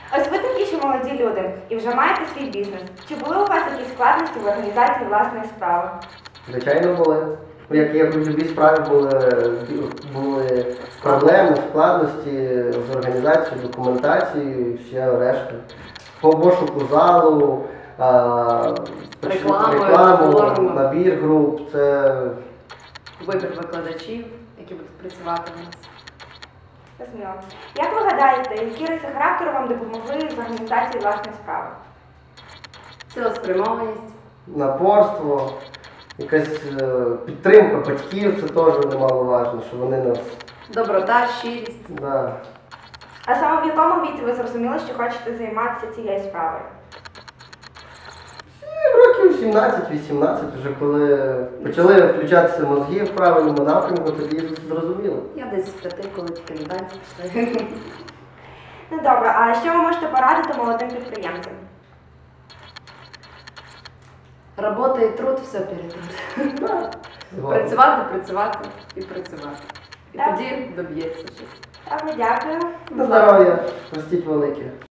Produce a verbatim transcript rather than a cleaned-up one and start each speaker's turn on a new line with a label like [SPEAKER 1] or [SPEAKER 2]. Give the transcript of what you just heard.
[SPEAKER 1] Ось ви такі ще молоді люди і вже маєте свій бізнес. Чи були у вас якісь складності в організації власної справи?
[SPEAKER 2] Звичайно, були. Як, як у любій справі були, були проблеми, складності з організацією, документацією і все решта. По пошуку залу, а,
[SPEAKER 3] Рекламою,
[SPEAKER 2] рекламу,
[SPEAKER 3] форму.
[SPEAKER 2] набір груп, це
[SPEAKER 3] Вибір викладачів, які будуть працювати у нас.
[SPEAKER 1] Зрозуміло. Як ви гадаєте, які риси характеру вам допомогли з організації власної справи?
[SPEAKER 3] Цілеспрямованість.
[SPEAKER 2] напорство, якась е, підтримка батьків, це теж немаловажно, що вони нас.
[SPEAKER 3] Доброта, щирість.
[SPEAKER 2] Да.
[SPEAKER 1] А саме в якому віці ви зрозуміли, що хочете займатися цією справою?
[SPEAKER 2] Років сімнадцять-вісімнадцять, вже коли почали включатися мозги в правильному напрямку, тоді зрозуміло.
[SPEAKER 3] Я десь з п'яти, коли тільки на танці пішли.
[SPEAKER 1] Ну добре, а що ви можете порадити молодим підприємцям?
[SPEAKER 3] Робота і труд, все перетрут.
[SPEAKER 2] Згодом.
[SPEAKER 3] Працювати, працювати і працювати. І
[SPEAKER 1] Так.
[SPEAKER 3] тоді доб'ється щось.
[SPEAKER 1] Так, дякую.
[SPEAKER 2] На здоров'я, ростіть велике.